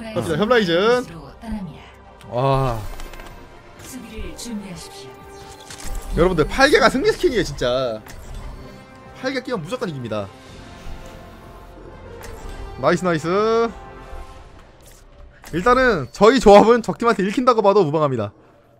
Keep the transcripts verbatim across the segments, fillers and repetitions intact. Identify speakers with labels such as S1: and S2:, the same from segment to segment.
S1: 갑니다. 협라이즌. 와. 여러분들 팔 개가 승리 스킨이에요 진짜. 팔 개 끼면 무조건 이깁니다. 나이스 나이스. 일단은 저희 조합은 적팀한테 읽힌다고 봐도 무방합니다.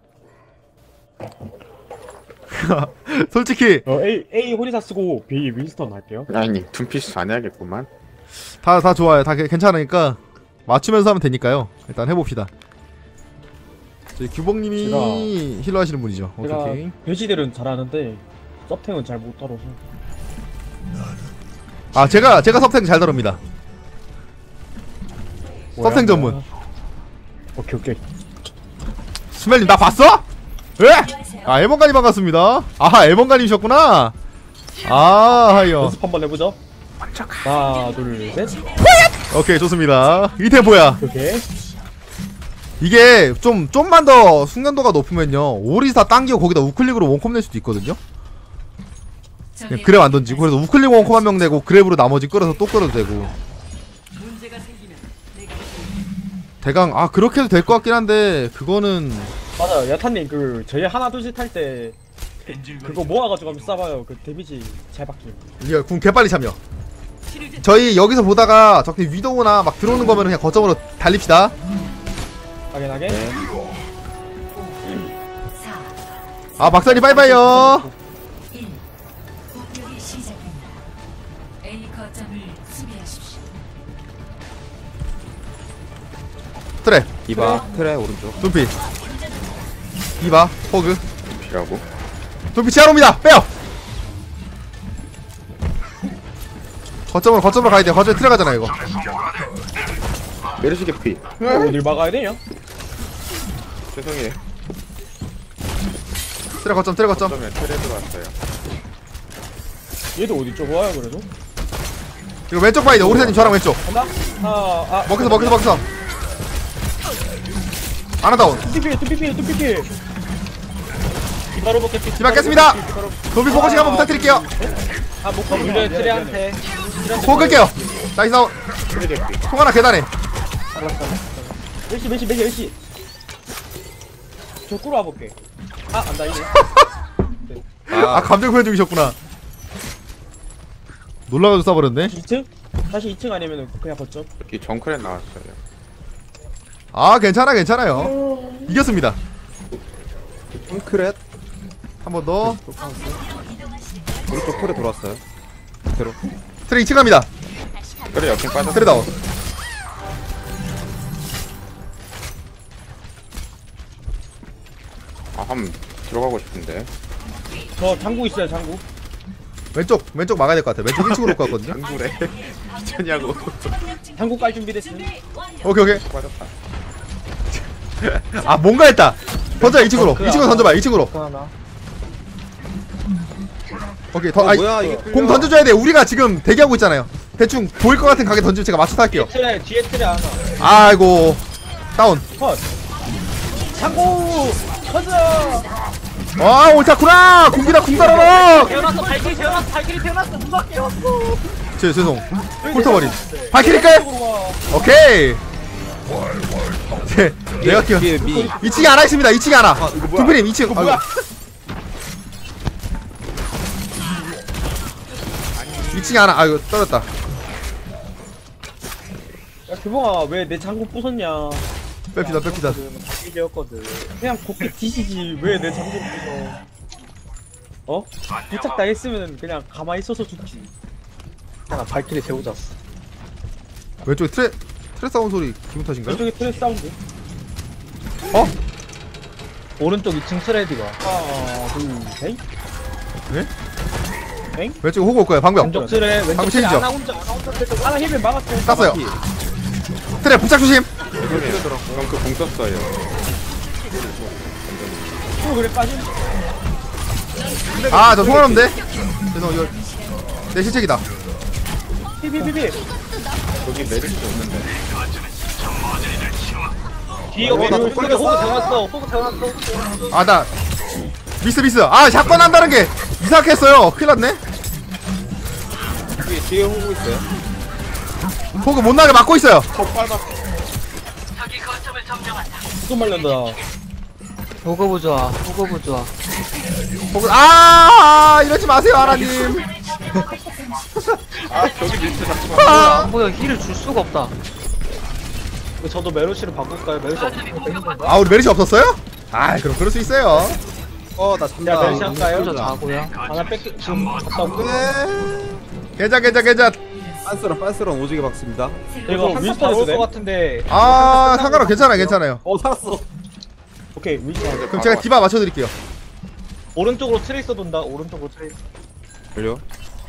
S1: 솔직히
S2: 어, A, A 호리사 쓰고 B 윈스턴 할게요.
S3: 아니 둠피스 안 해야겠구만.
S1: 다 다 좋아요. 다 괜찮으니까 맞추면서 하면 되니까요. 일단 해봅시다. 저희 규봉님이
S2: 제가-
S1: 힐러 하시는 분이죠. 오케이
S2: 제가
S1: 오케이.
S2: 배지들은 잘하는데 서탱은 잘 못 따라서.
S1: 아 제가 제가 섭생 잘 다룹니다. 서탱 전문.
S2: 오케이 오케이.
S1: 스멜님 나 봤어? 왜? 아 에번가님 반갑습니다. 아하 에번가님이셨구나. 아 하이요.
S2: 연습 한번 해보죠. 하나 둘 셋.
S1: 오케이 좋습니다. 이태 뭐야?
S2: 오케이.
S1: 이게 좀 좀만 더 숙련도가 높으면요 오리사 당기고 거기다 우클릭으로 원콤 낼 수도 있거든요. 그냥 그랩 안 던지고 그래서 우클릭 원콤 한 명 내고 그랩으로 나머지 끌어서 또 끌어도 되고. 대강 아 그렇게 해도 될 것 같긴 한데 그거는
S2: 맞아요. 야타님 그 저희 하나 둘 셋 할 때 그거 모아가지고 한번 쏴봐요. 그 데미지 잘 받기.
S1: 이거 궁 개빨리 참여. 저희 여기서 보다가 적팀 위도우나 막 들어오는 거면 그냥 거점으로 달립시다.
S2: 확인하게.
S3: 네.
S1: 아 박사님 빠이빠이요. 트레
S4: 디바 트레 오른쪽.
S1: 둠피 이바 호그
S3: 둠피라고?
S1: 둠피 치아로입니다. 빼요. 거점으로 거점으로 가야 돼요. 거점에 트레 가잖아 이거.
S3: 메르시 개피.
S2: 어딜 막아야 돼요?
S3: 죄송해요.
S1: 트레 거점 트레 거점.
S3: 그러면 트레드 왔어요.
S2: 얘도 어디 쪽 와요 그래도?
S1: 이거 왼쪽 봐야 돼. 오리사님 저랑 왼쪽.
S2: 간다? 아, 아.
S1: 먹겠어 먹겠어 먹겠어. 아나다운.
S2: 뚜피피 뚜피피 뚜피피. 디바로 먹겠지.
S1: 디바 깼습니다. 도비 포커싱 한번 부탁드릴게요.
S2: 아, 못 물려 트레한테.
S1: 포 끌게요. 나이스 아웃.
S3: 트레 개피.
S1: 통 하나 계단에.
S2: 몇시 몇시 몇시 몇시. 저 꾸러 와볼게. 아, 안 다이네.
S1: 아 감정 표현 중이셨구나. 놀라가지고 쏴버렸네.
S2: 이 층? 다시 이 층 아니면은 그냥 걷죠.
S3: 여기 정크렛 나왔어요.
S1: 아 괜찮아 괜찮아요. 이겼습니다.
S4: 홈크렛
S1: 한 번 더.
S4: 오른쪽 폴에 돌아왔어요. 그대로.
S1: 트레 이 층 갑니다.
S3: 그래 역행 빠졌어.
S1: 트레 다운.
S3: 아 한번 들어가고 싶은데.
S2: 저 장구 있어요, 장구.
S1: 왼쪽 왼쪽 막아야 될 것 같아. 왼쪽 일 층으로 올 것 같거든요.
S3: 장구래. 미쳤냐고.
S2: 장구 깔 준비 됐음.
S1: 오케이 오케이.
S3: 빠졌다.
S1: 아 뭔가 했다. 던져 이 층으로. 이 층으로 던져봐. 이 층으로.
S2: 하나.
S1: 오케이 더.
S4: 어,
S1: 아이,
S4: 뭐야 이게
S1: 공 던져줘야 돼. 우리가 지금 대기하고 있잖아요. 대충 보일 것 같은 가게 던지면 제가 맞춰서 할게요.
S2: 트레 뒤에 트레 하나.
S1: 아이고 다운.
S2: 컷. 장구 터져.
S1: 아 옳다구나. 공기다 공달아라.
S2: 태어났어. 발길이 태어났어. 발길이 태어났어. 누가 깨웠어.
S1: 죄 죄송. 훑어버린. 발키리 끌. 오케이. 네, 내가 키워.
S4: 뒤에 미.
S1: 이 층에 하나 있습니다. 이 층에 하나.
S4: 아 이거 뭐야?
S1: 두피님 이 층.
S2: 뭐야?
S1: 이 층에 하나. 아이고 떨어졌다.
S2: 야, 규봉아 왜 내 장구 부쉈냐?
S1: 뺍시다 뺍시다.
S2: 발길이었거든. 그냥 곱게 뒤지지 왜 내 장구를 부숴? 어? 부착 당했으면 그냥 가만히 있어서 죽지. 하나 발길이 세우자스.
S1: 왼쪽에 트레 트레 사운 소리 기분 탓인가요?
S2: 왼쪽에 트레 사운드.
S1: 어?
S2: 오른쪽 이 층 트레디가. 하나 둘 셋.
S1: 네?
S2: 엥?
S1: 왼쪽에 호구 올 거예요. 방벽.
S2: 왼쪽 트레 왼쪽
S1: 방금
S2: 트레
S1: 체인지죠?
S2: 하나 혼자 하나 혼자 트레 하나 힐을 막았어.
S1: 땄어요. 트레 부착 조심.
S3: 죄송해요. 정크 공 썼어요.
S2: 또 그래 빠진.
S1: 아 저 통화 없는데. 죄송 이거 내 실책이다.
S2: 피피피피.
S3: 여기 메르시 없는데.
S2: 뒤에
S1: 어, 나
S2: 호구
S1: 또 걸렸어.
S2: 태어났어. 호구 태어났어.
S1: 아 나 미스 미스. 아 샷건 한다는 게 이상하게 했어요. 큰일 났네.
S4: 뒤에 뒤에 호구 있어요.
S1: 호구 못 나게 막고 있어요.
S3: 더 빨갛.
S2: 또 말린다.
S5: 호거부 좋아, 호거부 좋아.
S1: 혹은 아 이러지 마세요 아라님.
S3: 아 저기 밑에 자꾸
S5: 뭐야, 안 보여. 힐을 줄 수가 없다.
S2: 저도 메르시로 바꿀까요? 메르시 없으면 되는 건가?
S1: 아 우리 메리시 없었어요? 아 그럼 그럴 수 있어요.
S4: 어나
S2: 야,
S4: 잔다.
S2: 멜시 할까요?
S5: 저 자고요.
S2: 하나 뺏 지금 갔다 올게.
S1: 괜찮 괜찮 괜찮.
S4: 빤스런 빤스런 오지게 박습니다.
S2: 이거 윈스턴 올것 같은데.
S1: 아 상관없 괜찮아요 괜찮아요.
S4: 어 살았어.
S2: 오케이 윈스턴.
S1: 그럼 제가 디바 맞춰드릴게요.
S2: 오른쪽으로 트레이서 돈다. 오른쪽으로 트레이서.
S4: 걸려.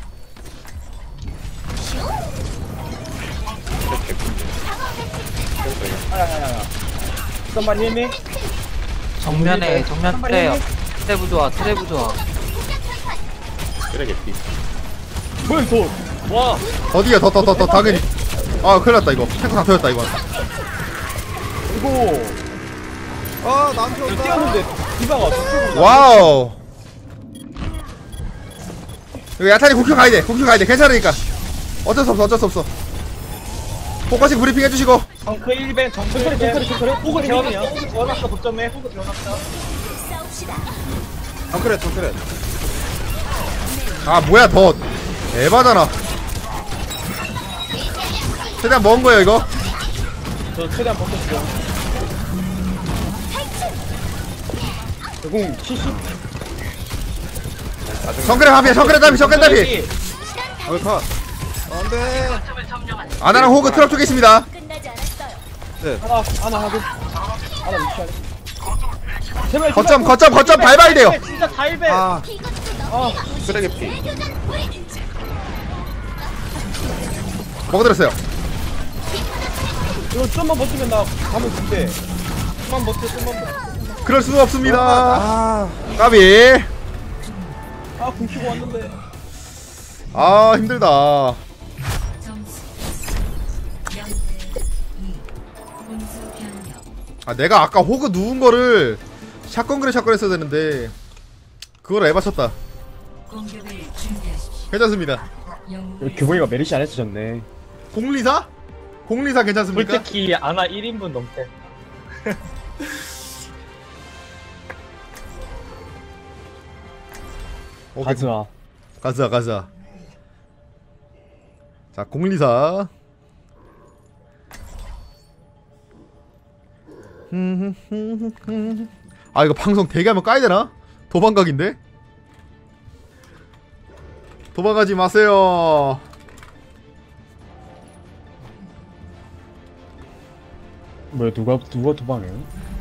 S2: 아야야야. 잠깐만 힘이.
S5: 정면에, 정면 트레요. 트레부 좋아, 트레부 좋아.
S3: 쓰레기 피.
S2: 뭐야 돈. 와.
S1: 어디야 더 더 더 더 당연히. 아 큰일났다 이거. 탱크 다 터졌다 이거.
S2: 이거
S4: 아 나한테
S2: 이거
S4: 온다.
S2: 뛰었는데 디바가 저쪽으로.
S1: 와우. 이거 야탄이 국큐 가야돼 국큐 가야돼 괜찮으니까. 어쩔 수 없어 어쩔 수 없어. 포커싱 브리핑 해주시고.
S2: 정크 일 벤 정크 일 벤. 호그 재워놨어. 호그 재워놨어. 독점에 호그 재워놨어.
S4: 정크레 정크레.
S1: 아 뭐야 더 에바잖아. 최대한 먹은 거예요 이거.
S2: 저 최대한 버텼어요. 공 칠십.
S1: 정글의 화피 정글의 답이 정글의 답이.
S4: 어이 컷. 안돼.
S1: 아나랑 호그 트럭 쪽에 있습니다.
S2: 하나 하나 하고 하나 위치하래. 제발
S1: 거점 거점 거점 밟아야 돼요.
S2: 진짜 다일배.
S4: 아
S2: 아
S3: 쓰레기 피.
S1: 먹어드렸어요.
S2: 이거 좀만 버티면 나 가면 줄게. 좀만 버텨 좀만 버텨.
S1: 그럴 수 없습니다.
S4: 아.
S1: 까비.
S2: 아 굶히고 왔는데.
S1: 아 힘들다. 아 내가 아까 호그 누운 거를 샷건 그래 샷건 했어야 되는데 그걸 에바 쳤다. 괜찮습니다.
S2: 규봉이가 메리시 안 해주셨네.
S1: 공리사? 공리사 괜찮습니까?
S2: 솔직히 아나 일 인분 넘게.
S1: 오케이.
S2: 가즈아.
S1: 가자 가자. 자 공리사. 아 이거 방송 대기하면 까야되나? 도망각인데? 도망가지 마세요.
S2: 뭐야 누가 누가 도망해요?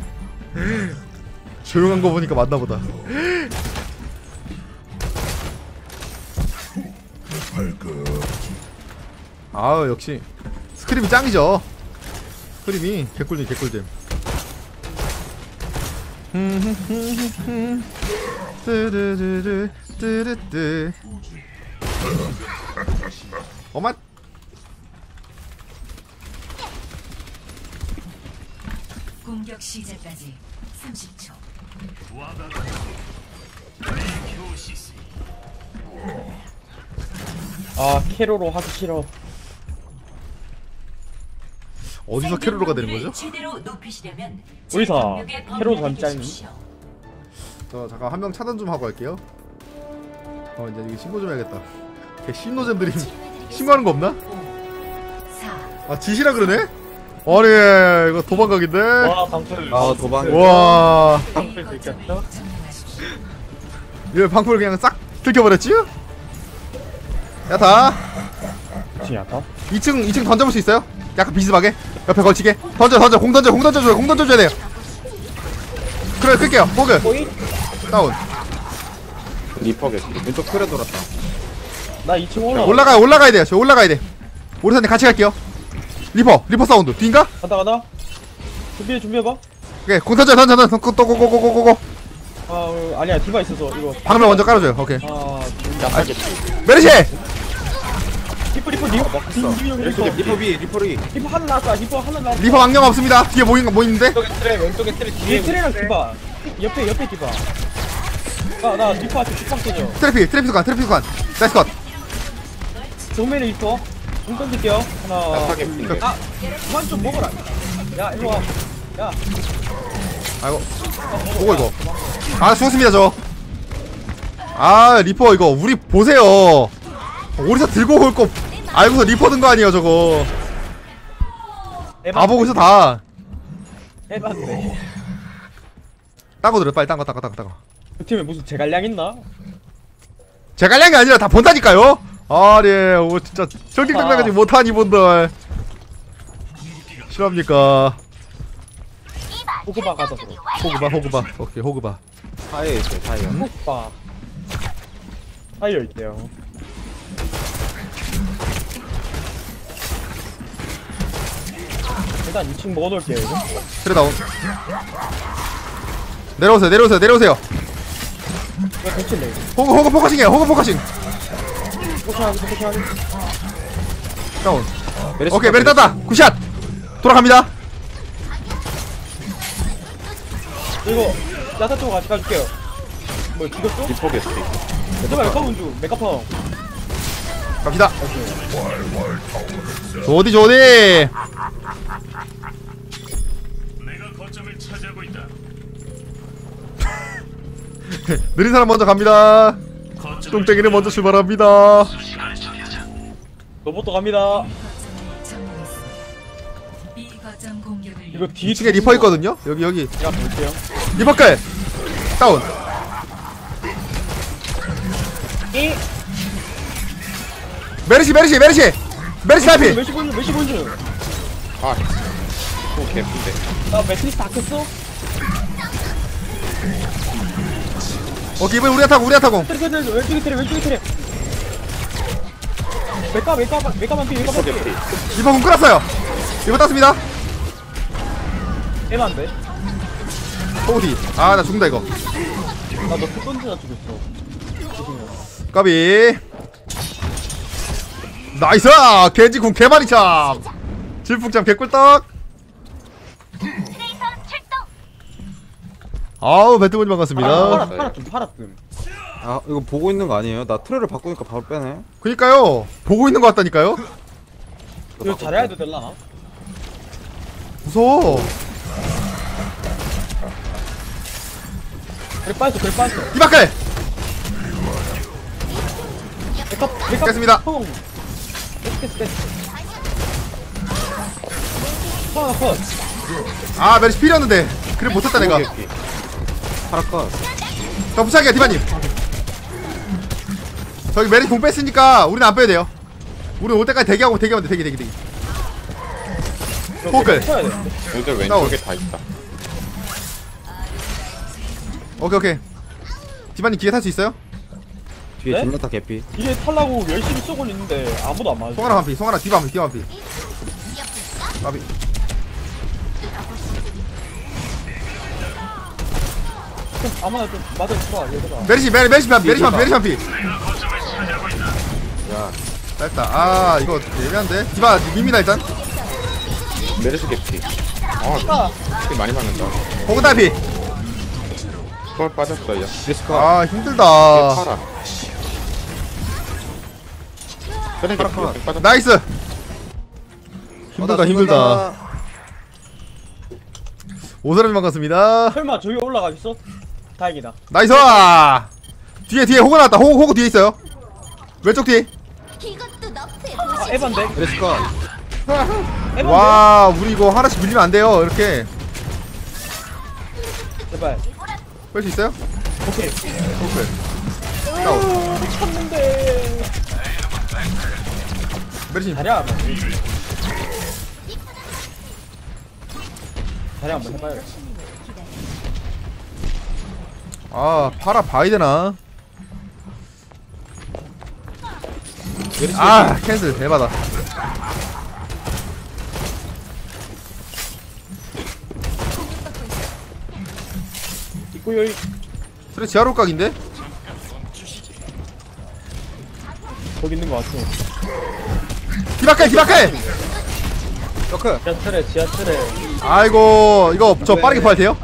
S1: 조용한 거 보니까 맞나보다. 아 역시 스크림이 짱이죠. 스크림이 개꿀잼 개꿀잼. 뜨르르르 뜨르뜨. 어맛.
S6: 공격 시작까지 삼십 초.
S2: 아 캐로로 하기 싫어.
S1: 어디서 캐롤로가 되는 거죠?
S6: 최대로 높이시려면
S2: 의사
S6: 제
S2: 캐로
S6: 범위를
S2: 잠짠.
S6: 주십시오.
S1: 저 잠깐 한 명 차단 좀 하고 할게요. 어 이제 이거 신고 좀 해야겠다. 걔 신노잼들이 신고하는 거 없나?
S6: 오, 사,
S1: 아 지시라 그러네? 아니 이거 도망각인데?
S2: 와 방풀.
S4: 아 도방.
S1: 와
S2: 방풀 들켰어?
S1: 이거 방풀 그냥 싹 들켜버렸지? 야타
S2: 지야다.
S1: 이 층 이 층 던져볼 수 있어요? 약간 비스하게 옆에 걸치게 던져 던져 공 던져 공 던져줘요 공 던져줘야 돼요. 그래 끌게요 호그
S2: 보이?
S1: 다운.
S3: 리퍼겠지.
S4: 왼쪽 틀에 돌았다.
S2: 나 이 층 올라.
S1: 올라가요 올라가야 돼요 저 올라가야 돼. 오리사님 같이 갈게요. 리퍼 리퍼 사운드 뒤인가?
S2: 가다 가다. 준비해 준비해봐.
S1: 오케이 공 던져 던져 던져 또 고고고고고고.
S2: 아 어, 아니야 디바 있어서 이거.
S1: 방금 먼저 깔아줘요. 오케이
S2: 아
S1: 메르시.
S2: 리퍼 리퍼 리퍼 막 리퍼 리퍼
S4: 리퍼 비 리퍼리.
S2: 리퍼 하나 나왔다. 리퍼 하나 나왔다.
S1: 리퍼 망령 없습니다. 뒤에 모인 거 모이는데
S2: 왼쪽에 트레 왼쪽에 트레 뒤에 트레랑 디바. 옆에 옆에 디바. 나나 리퍼한테 뒷방 쏘죠.
S1: 트래피 트래피 관 트래피 관 나이스 컷.
S2: 정면에 리퍼. 공 던질게요. 하나.
S3: 타겟 피.
S2: 아 그만 좀 먹어라. 야 일로 와. 야,
S1: 아이고 보고 이거 아 죽었습니다 저. 아 리퍼 이거 우리 보세요. 오리사 들고 올 거 알고서 리퍼 든 거 아니에요 저거. 다 보고 있어 다.
S2: 해봤네.
S1: 딴거 들어 빨리 딴거 딴거 딴거 딴거.
S2: 그 팀에 무슨 제갈량 있나?
S1: 제가 할게 아니라 다 본다니까요. 아니 오 진짜 정직당당하지 못한 이분들 실합니까?
S2: 호그바 가자 그럼.
S1: 호그바 호그바 오케이 호그바.
S4: 사이에 있어요 사이에.
S2: 호그바. 타이어 있대요. 일단 이 층 먹어놓을게요. 이거.
S1: 트레 다운. 내려오세요 내려오세요 내려오세요.
S2: 이거 대치네. 이거.
S1: 호그 호그 포커싱이에요 호그 포커싱.
S2: 포커싱하기 포커싱하기.
S1: 다운.
S4: 메르시
S1: 오케이
S4: 컷,
S1: 메리 땄다. 굿샷. 돌아갑니다.
S2: 이거 야타 쪽 같이 가줄게요. 뭐 죽였어?
S3: 리퍼 개피.
S2: 잠깐만 메카본 중 메카펑.
S1: 갑시다. 조디 조디. 느린 사람 먼저 갑니다. 똥땡이는 먼저 출발합니다.
S2: 로봇도 갑니다.
S6: 이 거점 공격을
S2: 이거 뒤
S1: 이 층에 리퍼 있거든요. 여기 여기
S2: 제가 볼게요.
S1: 리퍼 끌. 다운.
S2: 이
S1: 메르시 메르시 메르시 메르시 탈피.
S2: 몇시 본주 몇시 본주.
S3: 아, 또 개피인데.
S2: 나 매트리스 다 켰어?
S1: 오케이 이번에 우리가 타고 우리가 타고.
S2: 트레 트레 왼쪽에 트레 왼쪽에 트레. 메카 메카 메카만 피 메카만 피.
S1: 리퍼 군 끌었어요. 리퍼 땄습니다.
S2: 애만데.
S1: 호디. 아 나 죽는다 이거.
S2: 나너 던지나 죽였어. 조심해.
S1: 까비. 나이스. 겐지 궁 개마리 참. 질풍참 개꿀떡. 아우 배트보님 반갑습니다.
S2: 팔아 팔아 좀 팔아 좀.
S4: 아 이거 보고 있는 거 아니에요? 나 트레를 바꾸니까 바로 빼네.
S1: 그니까요 보고 있는 것 같다니까요.
S2: 이거 잘해야 돼 될라나?
S1: 무서워.
S2: 그래 빠졌어 그래 빠졌어.
S1: 이바클.
S2: 메카 메카.
S1: 깼습니다.
S2: 펑. 깼어 깼어. 펑 펑.
S1: 아 메르시 필이었는데 그래 못했다 내가.
S3: 개피.
S4: 파라 컷.
S1: 자 부착이야 디바님. 저기 메르시 공 뺐으니까 우리는 안 빼야 돼요. 우리 올 때까지 대기하고 대기하면 돼. 대기 대기 대기. 포클.
S2: 쳐야 돼.
S3: 애들 왼쪽에 다 있다.
S1: 오케이 오케이. 디바님 기계 탈 수 있어요?
S4: 뒤에
S2: 네?
S4: 진나타 개피.
S2: 이게 탈라고 열심히 쏘고 있는데 아무도 안 맞아.
S1: 송하나 반피 송하나 디바 반피 디바 반피. 까비.
S2: 좀 아무나 좀 맞아 줘 얘들아.
S1: 메르시 메르 메르시 반피 메르시 반피 메르시 반피.
S4: 야
S1: 됐다. 아 이거 예리한데. 디바 밉니다 일단.
S3: 메르시 개피. 아, 피 많이 맞는다.
S1: 호그 달피.
S3: 그걸 빠졌어요.
S4: 메르시 컷.
S1: 아
S3: 얘
S1: 힘들다.
S3: 팔아. 그래, 개피.
S4: 팔아.
S3: 빠졌다.
S1: 나이스.
S4: 어,
S1: 힘들다
S4: 나
S1: 힘들다.
S4: 죽는다.
S1: 오사람님 반갑습니다.
S2: 설마 저기 올라가 있어? 다행이다.
S1: 나이스. 뒤에 뒤에 호그 나왔다. 호그 호그 뒤에 있어요. 왼쪽 뒤.
S2: 아 에반데?
S4: 메르시 컷.
S2: 에반데?
S1: 와 우리 이거 하나씩 밀리면 안 돼요. 이렇게
S2: 제발.
S1: 뺄 수 있어요?
S2: 오케이.
S1: 오케이. 다운.
S2: 오, 미쳤는데.
S1: 메르시.
S2: 자리야. 자리 한번 해봐요.
S1: 아 팔아 봐야 되나?
S4: 메르시
S1: 아 캔슬 대박다.
S2: 있고 여기
S1: 그래 지하로 각인데?
S2: 거기 있는 거 같아.
S1: 디바클 디바클.
S4: 더크.
S2: 지하철에 지하철에.
S1: 아이고 이거 저 빠르게 파야 돼요?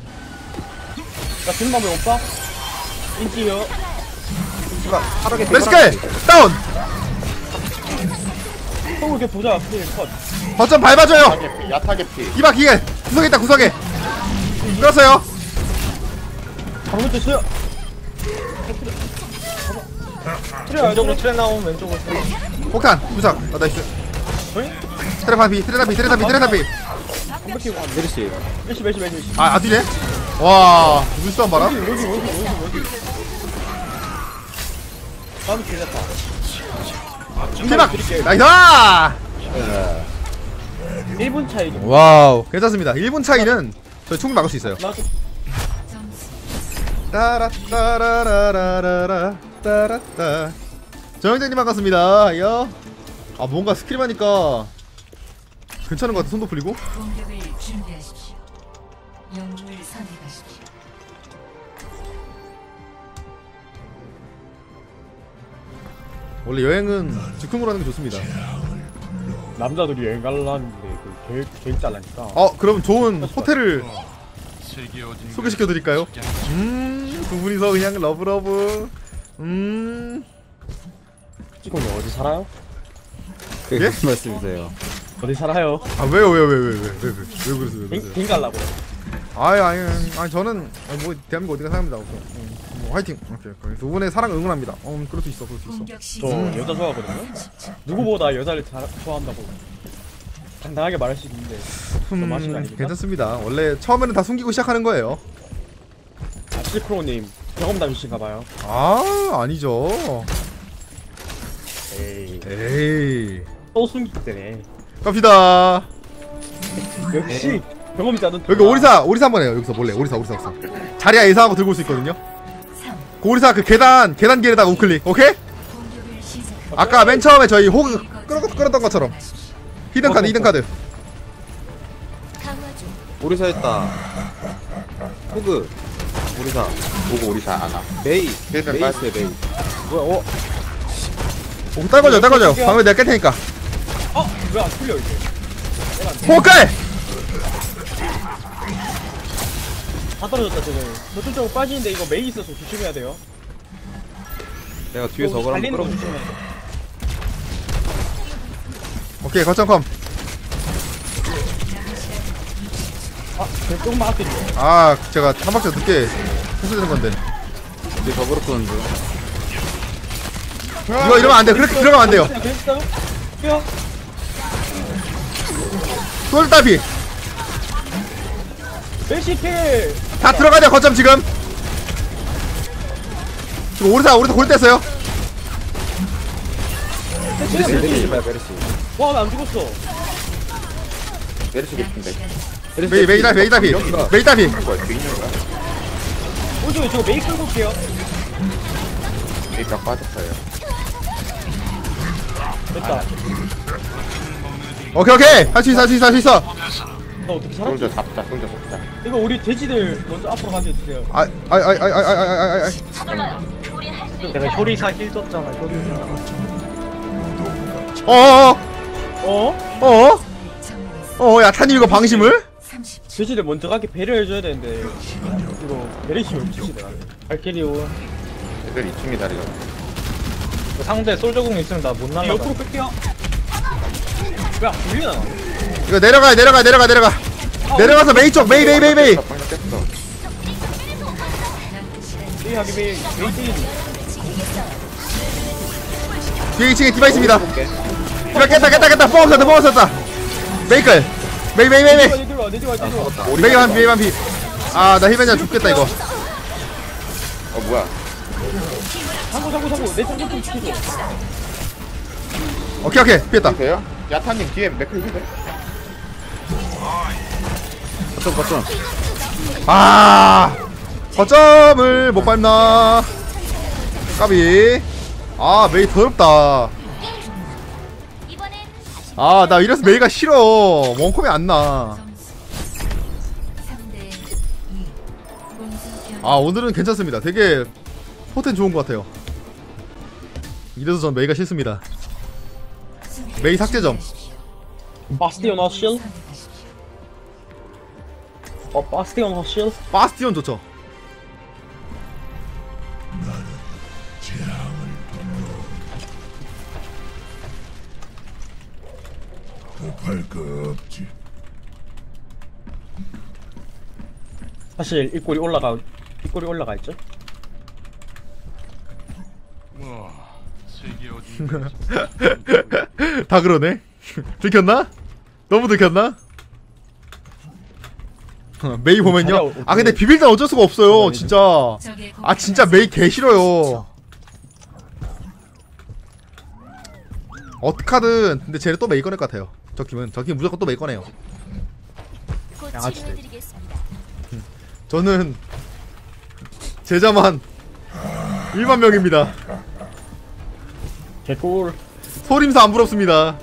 S2: 나 주는 방법 없다? 인지요.
S4: 파라 개피.
S1: 메르시클 다운.
S2: 똥을 이렇게 보자. 필 컷.
S1: 거점 밟아줘요.
S3: 야타게피 야타게피
S1: 이봐 기계 구석에 있다 구석에. 끌었어요.
S2: 방금 쳤어요. 트레 왼쪽으로 트레 나오면 왼쪽으로 트레.
S1: 폭탄 부상. 아 나이스.
S2: 어이?
S1: 트레 반피 트레 반피 트레 반피 트레 반피.
S2: 컴백키고 한
S4: 메르시.
S2: 메시 메시 메시 메시.
S1: 아 아디네. 와 물싸움 봐라.
S2: 여기 여기 여기 여기 여기. 다음 괜찮다.
S1: 대박. 나이스.
S2: 일 분 차이.
S1: 와우 괜찮습니다. 일 분 차이는 저희 충분히 막을 수 있어요.
S2: 나도
S6: 점수
S1: 따라따라라라라라 따라따. 정영재님 반갑습니다. 야. 아 뭔가 스킬 하니까 괜찮은 것 같아. 손도 풀리고.
S6: 공격을 준비하십시오. 영웅을 선택하십시오.
S1: 원래 여행은 즉흥으로 하는 게 좋습니다.
S2: 남자들이 여행 가려는데 그 계획 계획 잘라니까.
S1: 어 그럼 좋은 호텔을 소개시켜 드릴까요? 음두 분이서 그냥 러브러브. 음
S2: 지금은 어디 살아요?
S4: 그게
S1: 예?
S4: 무슨 말씀이세요?
S2: 어디 살아요?
S1: 아 왜요 왜요 왜요 왜요 왜요 왜요 왜 그러세요 왜
S2: 갱,
S1: 그러세요?
S2: 갱 갈라고.
S1: 아니 아니 아니 저는 아니, 뭐 대한민국 어디가 사람입니다. 음, 뭐 화이팅. 오케이 오케이. 두 분의 사랑 응원합니다. 어 그럴 수 있어 그럴 수 있어.
S6: 공격
S2: 저
S6: 시작.
S2: 여자 좋아하거든요. 누구보다 여자를 잘 좋아한다고 당당하게 말할 수 있는데 저 마신 거
S1: 음,
S2: 아닙니까?
S1: 괜찮습니다. 원래 처음에는 다 숨기고 시작하는 거예요.
S2: 아, 실크로님 경험담이신가봐요.
S1: 아 아니죠.
S2: 에이
S1: 에이
S2: 또 숨기기 때문에
S1: 갑시다.
S2: 역시 경험자는
S1: 여기 오리사 오리사 한번 해요. 여기서 몰래 오리사 오리사 오리사. 자리야 예상하고 들고 올 수 있거든요. 그 오리사 그 계단 계단 길에다가 우클릭. 오케이?
S6: 공격을 시작.
S1: 아까 맨 처음에 저희 호그 끌어 끌었던 것처럼 히든 카드 히든 카드.
S6: 강화 중.
S4: 오리사 했다. 호그. 오리사.
S3: 보고 우리 잘 아나
S4: 메이.
S3: 힐벤
S4: 메이
S3: 빠지.
S4: 있어요 메이.
S2: 뭐야 어?
S1: 오 떨궈줘 떨궈줘. 방금 내가 깰 테니까.
S2: 어? 왜 안 풀려 이게?
S1: 호클.
S2: 다 떨어졌다 쟤네. 저쪽으로 빠지는데 이거 메이 있어서 조심해야 돼요.
S4: 내가 뒤에서
S2: 이거
S4: 어글
S2: 달리는
S4: 한번
S2: 거
S4: 끌어볼게.
S2: 조심해야 돼.
S1: 오케이 거점 컴.
S2: 아, 쟤 조금만 앞에 있네.
S1: 아 제가 한 박자 늦게 했어야 건데.
S4: 뒤에 버그로 끄는 중.
S1: 이거 이러면 안 돼. 그렇게 들어가면 안 돼요.
S2: 그냥 그랬어요? 뛰어.
S1: 솔다비
S2: 멜시필.
S1: 다 들어가자 거점 지금. 지금 오리사 오리사 골 뗐어요.
S4: 메르시 메르시 봐요 메르시.
S2: 와, 나 안 죽었어.
S3: 메르시 개피인데
S1: 메이 메이다 메이다비
S4: 여기가.
S1: 메이다비.
S3: 뭐야 뒤에 있는 거야?
S2: 오른쪽에 저거 메이 끌고 올게요.
S3: 일단 빠졌어요
S2: 됐다.
S1: 오케이 오케이 할 수 있어 할 수 있어 할 수 있어.
S2: 나 어떻게 살았지?
S3: 솔저 잡자 솔저 잡자
S2: 이거 우리 돼지들 먼저 앞으로 가게 해주세요.
S1: 아아아아아아아아
S2: 내가 효리사 힐 줬잖아, 효리사.
S1: 어어어
S2: 어?
S1: 어어
S6: 점수
S1: 어 야타님 이거 방심을?
S6: 삼십 초.
S2: 돼지들 먼저 가게 배려해줘야 되는데 이거 메리시 왜 치시더라. 발키리오.
S3: 애들 이 층 기다리자
S2: 상대 솔저궁 있으면 나 못 날라. 옆으로 뺄게요. 왜안 풀리나?
S1: 이거 내려가 내려가 내려가 내려가 내려가서 메이 쪽 메이 메이 메이 메이.
S3: 방금 깼어
S2: 메이 하기 메이 메이 메이.
S1: 뒤에 이 층에 디바 있습니다. 디바 깼다 깼다 깼다 뽕 썼다 뽕 썼다. 메이클 메이 메이 메이 메이
S2: 내려와 내려와 내려와.
S1: 메이 반피 메이 반피. 아나 힐벤자 죽겠다 이거.
S3: 어 뭐야
S2: 잠고 잠고 잠고 내 잠고 좀 지켜줘.
S1: 오케이 오케이 피했다.
S3: 돼요? 야타님 뒤에 맥클 힐벤
S4: 거점 거점.
S1: 아 거점을 못 밟나. 까비. 아 메이 더럽다. 아 나 이래서 메이가 싫어. 원콤이 안나.
S6: 삼 대 이. 공수 변.
S1: 아 오늘은 괜찮습니다. 되게 포텐 좋은 것 같아요. 이래서 전 메이가 싫습니다. 메이 삭제점.
S2: 바스티온 허실. 어 바스티온 허실.
S1: 바스티온 좋죠.
S2: 사실 이 꼴이 올라가 이 꼴이 올라가 있죠.
S1: 다 그러네. 들켰나? 너무 들켰나? 메이 보면요. 아 근데 비빌 땐 어쩔 수가 없어요. 진짜.
S6: 적의
S1: 아 진짜 메이 개 싫어요. 어떡하든 근데 쟤는 또 메이 꺼낼 것 같아요. 저 팀은 저 팀은 무조건 또 메이 꺼내요.
S6: 곧
S2: 양아치들.
S6: 치료해드리겠습니다.
S1: 저는 제자만 일만 명입니다.
S2: 개꿀.
S1: 소림사 안 부럽습니다.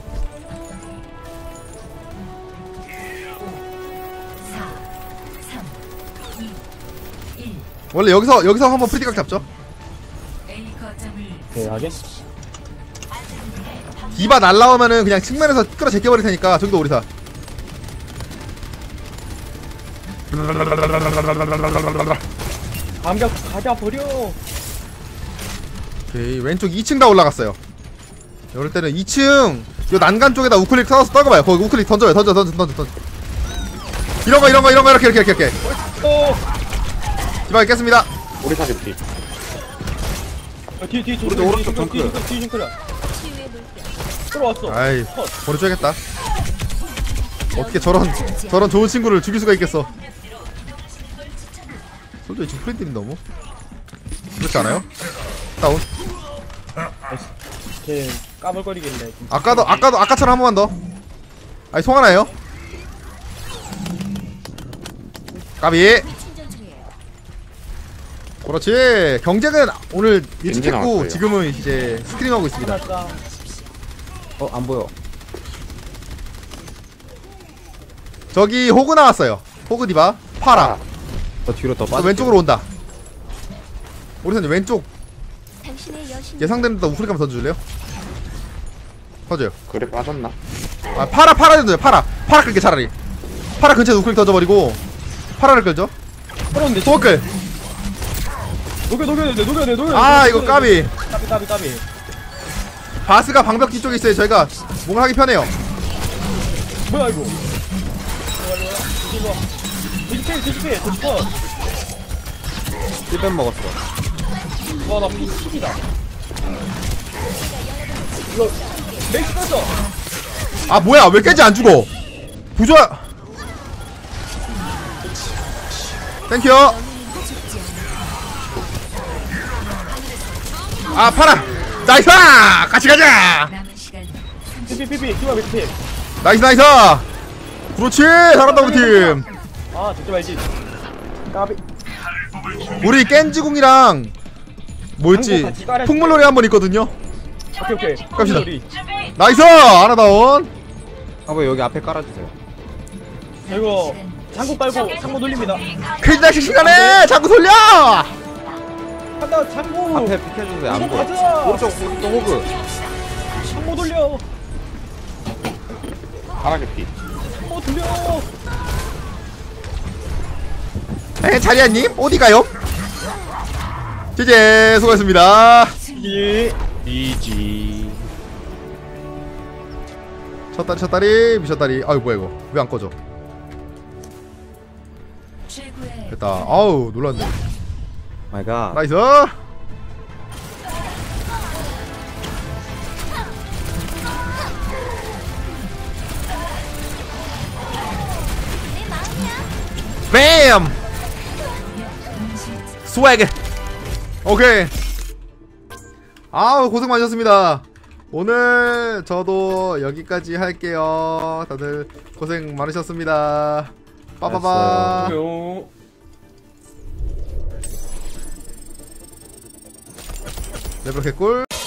S6: 사, 삼, 이, 일.
S1: 원래 여기서 여기서 한번 프리티각 잡죠.
S6: A 거점을
S2: 대하게.
S1: 디바 날라오면은 그냥 측면에서 끌어 제껴버릴 테니까 저기도 오리사.
S2: 감격 가자 버려.
S1: 오케이 왼쪽 이 층 다 올라갔어요. 이럴 때는 이 층 요 난간 쪽에다 우클릭 써서 떨궈봐요. 거기 우클릭 던져요. 던져 던져 던져 던져. 이런 거 이런 거 이런 거 이렇게 이렇게 이렇게 이렇게.
S2: 또.
S1: 디바 겠습니다.
S3: 우리 사기 피.
S2: 어, 뒤에 뒤에
S4: 오른쪽, 오른쪽
S2: 뒤에
S4: 덩크.
S2: 뒤에 뒤에 뒤에
S6: 치유의 물결.
S2: 들어왔어.
S1: 아이
S2: 컷.
S1: 보내줘야겠다. 어떻게 저런 저런 좋은 친구를 죽일 수가 있겠어. 솔직히 지금 프린트님 너무 그렇지 않아요? 다운.
S2: 걔 까불거리겠네.
S1: 아까도 아까도 아까처럼 한 번만 더. 아니 송 하나예요? 까비.
S6: 충전 중이에요.
S1: 그렇지. 경쟁은 오늘 일찍
S3: 엔진
S1: 했고
S3: 나왔어요.
S1: 지금은 이제 스트림하고 있습니다.
S2: 하나
S4: 어 안 보여.
S1: 저기 호그 나왔어요. 호그 디바 파라.
S4: 저 뒤로 더
S1: 또
S4: 빠져.
S1: 왼쪽으로 온다. 오리사님 왼쪽
S6: 당신의 여신.
S1: 예상되는 데 우클릭 한번 던져줄래요? 던져요.
S3: 그래 빠졌나?
S1: 아 파라 파라 던져요. 파라 파라 끌게 차라리. 파라 근처에 우클릭 던져버리고 파라를 끌죠.
S2: 끌었는데.
S1: 호그.
S2: 녹여 녹여야 돼 녹여야 돼 녹여.
S1: 아 이거 까비.
S2: 까비 까비 까비.
S1: 바스가 방벽 뒤쪽에 있어요. 저희가 뭔가 하기 편해요.
S2: 뭐야 이거. 이거 뒤집해 뒤집해 뒤집어.
S4: 힐벤 먹었어.
S2: 와나 피십이다. 이거 맥스 떴어.
S1: 아 뭐야 왜 깨지 안 죽어? 부조야. 땡큐. 아 파라. 나이스. 같이 가자.
S6: 남은 시간
S2: 피피피피 키와 피피.
S1: 나이스 나이스. 그렇지 잘한다 우리 팀.
S2: 아 듣지 말지. 까비.
S1: 우리 깬지궁이랑 뭐였지?
S2: 같이 깔아줄게.
S1: 풍물놀이 한 번 있거든요.
S2: 오케이 오케이.
S1: 갑시다.
S2: 우리.
S1: 나이스 하나 다운.
S4: 한번 여기 앞에 깔아주세요.
S2: 자, 이거 장구 깔고 장구 돌립니다.
S1: 퀴즈낚시 시간에 자꾸 돌려.
S2: 간다 장구.
S4: 앞에 비켜주세요. 안
S2: 이거
S4: 보여.
S2: 가자.
S4: 오른쪽 오른쪽 호그.
S2: 장구 돌려.
S3: 파라게 피.
S2: 어 돌려.
S1: 에 자리아님 어디 가요? 제제 수고했습니다.
S2: 예.
S3: 이지.
S1: 첫 다리 첫 다리 미션 다리. 아유 뭐야 이거 왜 안 꺼져?
S6: 최고의
S1: 됐다. 아우 놀랐네.
S4: 마이 갓.
S1: 나이스. 뱀. 스웨그. 오케이. 아우 고생 많으셨습니다. 오늘 저도 여기까지 할게요. 다들 고생 많으셨습니다. 빠바바.
S2: 안녕.
S1: 레벨 개꿀.